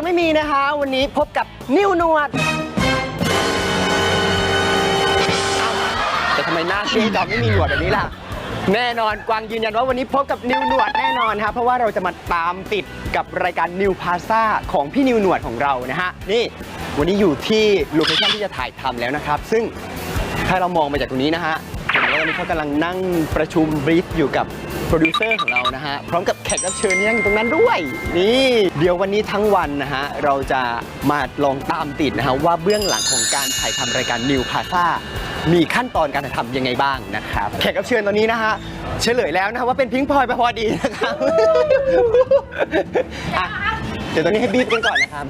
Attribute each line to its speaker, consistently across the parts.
Speaker 1: ไม่มีนะคะวันนี้พบกับนิวหนวดแต่ทำไมหน้าซีดไม่มีหนวดแบบนี้ล่ะแน่นอนกวางยืนยันว่าวันนี้พบกับนิวหนวดแน่นอนครับเพราะว่าเราจะมาตามติดกับรายการนิวพาซ่าของพี่นิวหนวดของเรานะฮะนี่วันนี้อยู่ที่โลเคชั่นที่จะถ่ายทำแล้วนะครับซึ่งถ้าเรามองไปจากตรงนี้นะฮะเห็นว่าวันนี้เขากำลังนั่งประชุมบรีฟอยู่กับโปรดิวเซอร์ของเรานะฮะพร้อมกับแขกรับเชิญที่นั่งอยู่ตรงนั้นด้วยนี่เดี๋ยววันนี้ทั้งวันนะฮะเราจะมาลองตามติดนะฮะว่าเบื้องหลังของการถ่ายทำรายการนิวพาซ่ามีขั้นตอนการถ่ายทำยังไงบ้างนะครับแขกรับเชิญตอนนี้นะฮะเฉลยแล้วนะว่าเป็นพิงค์พลอยไปพอดีนะครับอ่ะเดี๋ยวตอนนี้ให้บีบกันก่อนนะครับ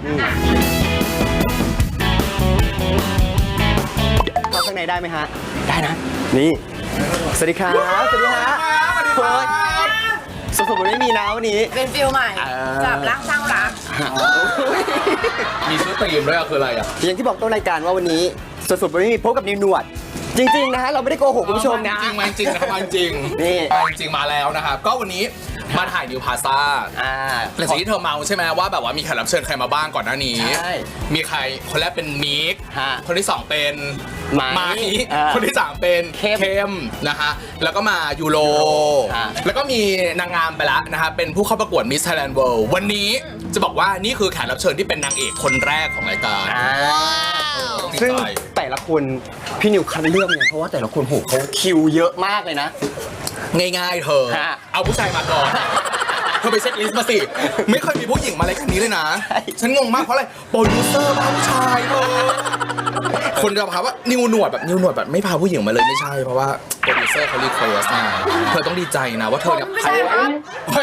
Speaker 1: เข้าข้างในได้ไหมฮะได้นะนี่สวัสดีครับสวัสดีฮะสดๆไม่มีนะวันนี้
Speaker 2: เป็นฟิลใหม่จับรักสร้างรัก
Speaker 3: มีชุดตีมด้วยคืออะไรอ่ะ
Speaker 1: อย่างที่บอกต้นรายการว่าวันนี้สดๆไม่มีพบกับนิวหนวดจริงๆนะฮะเราไม่ได้โกหกคุณผู้ชมนะ
Speaker 3: จริงมาจริงนะครับมาจริง
Speaker 1: นี่
Speaker 3: มาจริงมาแล้วนะครับก็วันนี้มาถ่ายนิวพาซ่าหลังจากที่เธอเมาใช่ไหมว่าแบบว่ามีแขกรับเชิญใครมาบ้างก่อนหน้านี้มีใครคนแรกเป็นมิกคนที่2เป็นไม้คนที่3เป็นเข้มนะฮะแล้วก็มายูโรแล้วก็มีนางงามไปแล้วนะฮะเป็นผู้เข้าประกวด Miss Thailand World วันนี้จะบอกว่านี่คือแขกรับเชิญที่เป็นนางเอกคนแรกของรายการ
Speaker 1: ซึ่งแต่ละคนพี่นิวคัดเลือกเนี่ยเพราะว่าแต่ละคนโหเขาคิวเยอะมากเลยนะ
Speaker 3: ง่ายๆเธอเอาผู้ชายมาก่อนเธอไปเช็คลิสต์มาสิไม่เคยมีผู้หญิงมารายการนี้เลยนะฉันงงมากเพราะอะไรโปรดิวเซอร์พาผู้ชายเธอคนจะพาว่านิวหนวดแบบไม่พาผู้หญิงมาเลยไม่ใช่เพราะว่าโปรดิวเซอร์เขารีเควสไงเธอต้องดีใจนะว่าเธอเนี่ย
Speaker 2: ไม่ใช่ครับ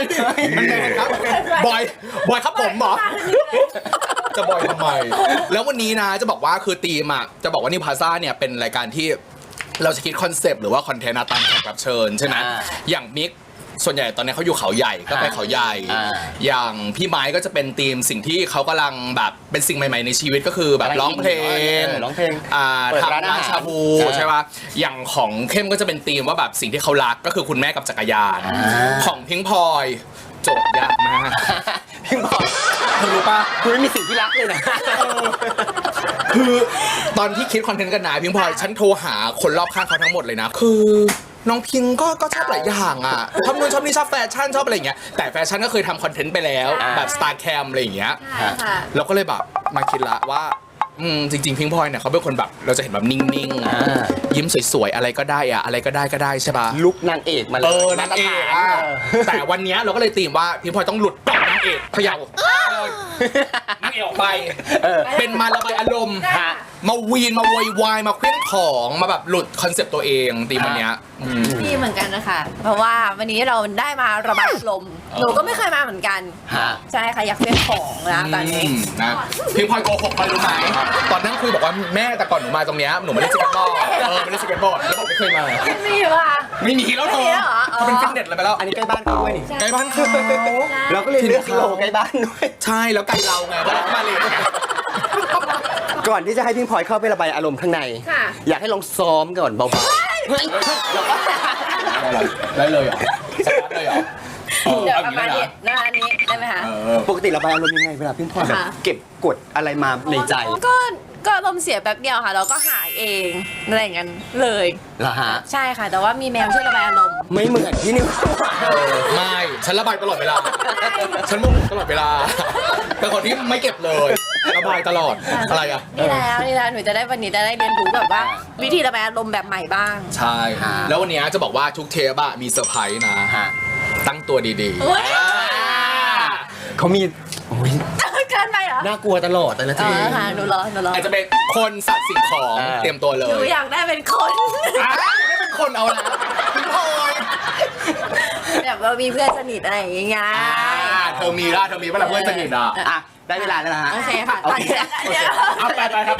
Speaker 3: บอยครับผมเหรอจะบอยทำไมแล้ววันนี้นะจะบอกว่าคือธีมอ่ะจะบอกว่านิวพาซ่าเนี่ยเป็นรายการที่เราจะคิดคอนเซปต์หรือว่าคอนเทนต์ตามแขกรับเชิญใช่ไหมอย่างมิกส่วนใหญ่ตอนนี้เขาอยู่เขาใหญ่ก็ไปเขาใหญ่อย่างพี่ไม้ก็จะเป็นธีมสิ่งที่เขากำลังแบบเป็นสิ่งใหม่ๆในชีวิตก็คือแบบร้องเพลงทำร้านชาบูใช่ป่ะอย่างของเข้มก็จะเป็นธีมว่าแบบสิ่งที่เขารักก็คือคุณแม่กับจักรยานของพิงพลอยโจทย์ยากมาก
Speaker 1: พิงพลอย
Speaker 3: เธอรู้ป่ะ
Speaker 1: คุณไม่มีสิ่งที่รักเลยนะ
Speaker 3: คือตอนที่คิดคอนเทนต์กันนะพิงพลอยฉันโทรหาคนรอบข้างเขาทั้งหมดเลยนะคือน้องพิงก็ชอบหลายอย่างอ่ะชอบนู่นชอบนี่ชอบแฟชั่นชอบอะไรอย่างเงี้ยแต่แฟชั่นก็เคยทำคอนเทนต์ไปแล้วแบบสตาร์แคมอะไรอย่างเงี้ยเราก็เลยแบบมาคิดละว่าจริงๆพิงพลอยเนี่ยเขาเป็นคนแบบเราจะเห็นแบบนิ่งๆยิ้มสวยๆอะไรก็ได้อะอะไรก็ได้ใช่ป่ะ
Speaker 1: ลุกนางเอกมาเลย
Speaker 3: นางเอกแต่วันนี้เราก็เลยตีมว่าพิงพลอยต้องหลุดจากนางเอกเขย่านางเอกออกไปเป็นมาระบายอารมณ์มาวีนมาโวยวายมาเคลื่อนของมาแบบหลุดคอนเซปต์ตัวเองตีมวันนี้
Speaker 2: ดีเหมือนกันนะคะเพราะว่าวันนี้เราได้มาระบายอารมณ์หนูก็ไม่เคยมาเหมือนกันใช่ค่ะอยากเคลื่อนของนะตอนนี้
Speaker 3: นะพิงพลอยโกหกไปรู้ไหมตอนนั้นคุยบอกว่าแม่แต่ก่อนหนูมาตรงนี้หนูไม่ได้สเก็ตบอร์ดไม่ได้สเก็ตบอร์ดแล้วบอกไม่เคยมา
Speaker 2: ไม่มีว่ะ
Speaker 3: ไม่มีแล้วเธอเป็นฟิตเนสอะไรไปแล้ว
Speaker 1: อันนี้ใกล้บ้านเขาด้วยนี่
Speaker 3: ใกล้บ้านเขา
Speaker 1: เราก็เลยเลือกโลใกล้บ้านด้วย
Speaker 3: ใช่แล้วไกลเราไงเพราะมาเลย
Speaker 1: ก่อนที่จะให้พิงพลอยเข้าไประบายอารมณ์ข้างในอยากให้ลองซ้อมก่อนเบาๆ
Speaker 3: ได้เลยเหรอสตาร์ทเลยเหรอ
Speaker 2: เดี๋ยวประมาณนี้หน้านี้ได้ไหมคะ
Speaker 1: ปกติระบายอารมณ์ยังไงเวลาพิงพลอยแบบเก็บกดอะไรมาในใจ
Speaker 2: ก็อารมณ์เสียแป๊บเดียวค่ะเราก็หายเองอะไรอย่างนั้นเลย
Speaker 1: เหรอฮะ
Speaker 2: ใช่ค่ะแต่ว่ามีแมวช่วยระบายอารมณ์
Speaker 1: ไม่เหมือนพี่นิว
Speaker 3: ไม่ฉันระบายตลอดเวลาฉันโมโหตลอดเวลาเป็นคนที่ไม่เก็บเลยระบายตลอดอะไรอ่ะ
Speaker 2: นี่แล้วหนูจะได้วันนี้จะได้เรียนรู้แบบว่าวิธีระบายอารมณ์แบบใหม่บ้าง
Speaker 3: ใช่แล้ววันนี้จะบอกว่าทุกเทปอะมีเซอร์ไพรส์นะตั้งตัวดี
Speaker 1: เขามี
Speaker 2: เกินไปเหรอ
Speaker 1: น่ากลัวตลอดแต่ละที
Speaker 2: หนูรอ
Speaker 3: อาจจะเป็นคนสัตว์สิ่งของเตรียมตัวเลย
Speaker 2: หนูอยากได้เป็นคน
Speaker 3: ได้เป็นคนเอาละพี่พลอย
Speaker 2: แบบว่ามีเพื่อนสนิทอะไรอย่างเงี้ย
Speaker 3: เธอมีเมื่อไหร่เพื่อนสนิท
Speaker 1: อ่ะได้เวลาแล้วนะฮะ
Speaker 2: โอเคค่ะ
Speaker 3: เอาไปครับ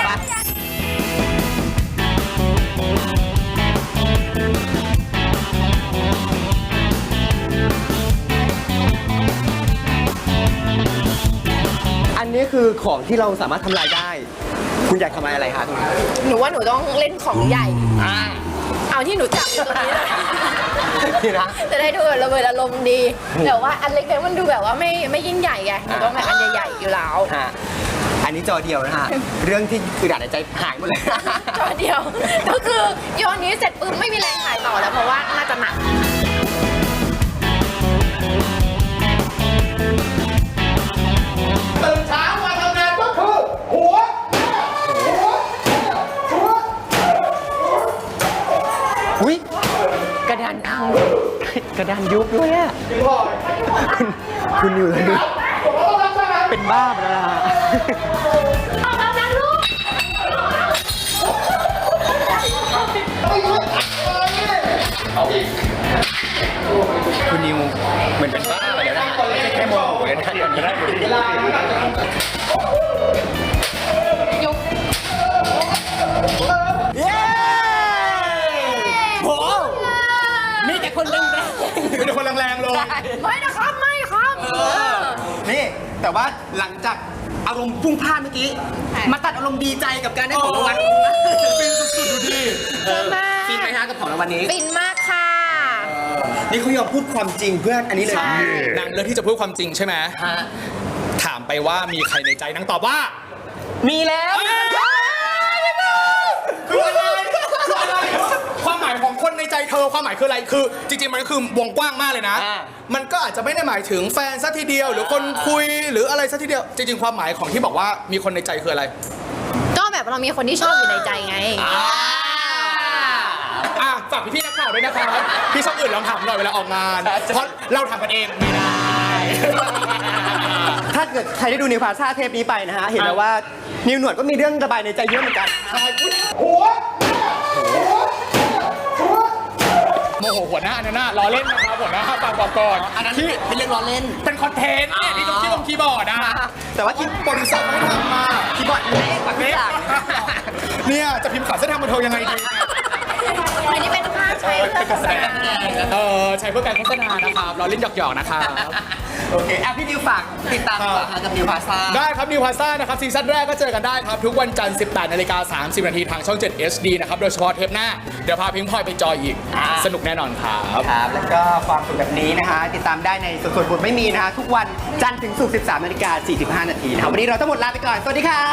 Speaker 1: อันนี้คือของที่เราสามารถทำลายได้คุณอยากทำลายอะไรคะตรงนี้
Speaker 2: หนูว่าหนูต้องเล่นของใหญ่เอาที่หนูจับอยู่ตรงนี้เลย
Speaker 1: นี่นะ
Speaker 2: จะได้ดูแบบระเบิดอารมณ์ดีแต่ว่าอันเล็กๆมันดูแบบว่าไม่ยิ่งใหญ่ไงมันต้องแบบอันใหญ่ๆอยู่แล้ว
Speaker 1: ฮะอันนี้จอเดียวนะฮะ เรื่องที่คือด่าในใจหายหมดเลย
Speaker 2: จอเดียว ก็คือโยนนี้เสร็จปุ๊บไม่มีแรงถ่ายต่อแล้วเพราะว่าน่าจะหนัก
Speaker 3: ตื่นเช้ามาทำงานก็คือหัว
Speaker 1: อุ้ยกระดานพังกระดานยุบด้วยอะคุณนิวเลยเป็นบ้าไปแล้วล่ะคุณนิวเหมือนเป็นบ้าไปแล้วนะไม่ใช่แค่โมโหเลยนะตอนนี้ได้หมดเลยเย้โหมีแต่คนแรง
Speaker 3: เป็นคนแรงๆเลย
Speaker 2: ไม่นะครับไม่ครับ
Speaker 1: ๆนี่แต่ว่าหลังจากอารมณ์พุ่งพล่านเมื่อกี้ มาตัดอารมณ์ดีใจกับการได้ของรางวัล
Speaker 3: ฟินสุดๆดูดิ
Speaker 1: ฟินไหมฮะกับของรางวัลนี้
Speaker 2: ฟินมากค่ะ
Speaker 1: นี่เขายอมพูดความจริงเพื่อนอันนี้เลย
Speaker 2: ใช่
Speaker 3: นางเลือกที่จะพูดความจริงใช่ไหม
Speaker 1: ฮะ
Speaker 3: ถามไปว่ามีใครในใจนางตอบว่า
Speaker 1: มีแล้ว
Speaker 3: คืออะไรคืออะไรความหมายของคนในใจเธอความหมายคืออะไรคือ จริงๆมันก็คือวงกว้างมากเลยนะ มันก็อาจจะไม่ได้หมายถึงแฟนสักทีเดียว หรือคนคุยหรืออะไรสักทีเดียว จริงๆความหมายของที่บอกว่ามีคนในใจคืออะไร
Speaker 2: ก็แบบเรามีคนที่ชอบอยู่ในใจไง
Speaker 3: ฝากพี่ๆนักข่าวด้วยนะครับพี่ช่องอื่นลองถามหน่อยเวลาออกงาน เพราะเราทำกันเองไม่ได้
Speaker 1: ถ้าเกิดใครได้ดูนิวพาซ่าเทปนี้ไปนะฮะ เห็นแล้วว่านิวหนวดก็มีเรื่องระบายในใจเยอะเหมือนกัน
Speaker 3: โมโหหัวหน้าเนี่ยนะล้อเล่นนะครับหัวหน้าฟังบอกก่อน
Speaker 1: อันนั้น
Speaker 3: ที่
Speaker 1: เป็นเรื่องล้อเล่น
Speaker 3: เป็นคอนเทนต์เนี่ยที่ต้องคีย์บอร์ดนะ
Speaker 1: แต่ว่า
Speaker 3: โปรดิวเซอร์เขาไม่ทำมา
Speaker 1: คีย์บอร์ดเล็กกว่าพี่อย่าง
Speaker 3: เนี่ยจะพิมพ์ข่าวเส้นทางบันเทิงยังไงดี
Speaker 2: อันนี้เป็นภาพใช้เพื่อโฆษณา
Speaker 3: ใช้เพื่อการโฆษณานะครับล้อเล่นหยอกๆนะครับ
Speaker 1: โอเคพี่นิวฝากติดตามดีกว่าฮะกับนิวพาซ่า
Speaker 3: ได้ครับนิวพาซ่านะครับซีซั่นแรกก็เจอกันได้ครับ ทุกวันจันทร์ 18:30 นทางช่อง 7 HD นะครับโดยเฉพาะเทปหน้า เดี๋ยวพาพิงพลอยไปจอยอีก สนุกแน่นอนครับ
Speaker 1: ครับ แล้วก็ความสุขแบบนี้นะคะ ติดตามได้ในส่วนบทไม่มีนะคะทุกวันจันทร์ถึงศุกร์ 13:45 นนะครับวันนี้เราทั้งหมดลาไปก่อน สวัสดีครับ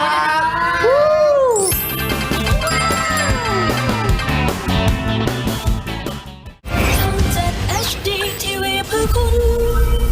Speaker 4: ช่อง 7 HD TV เพื่อคุณ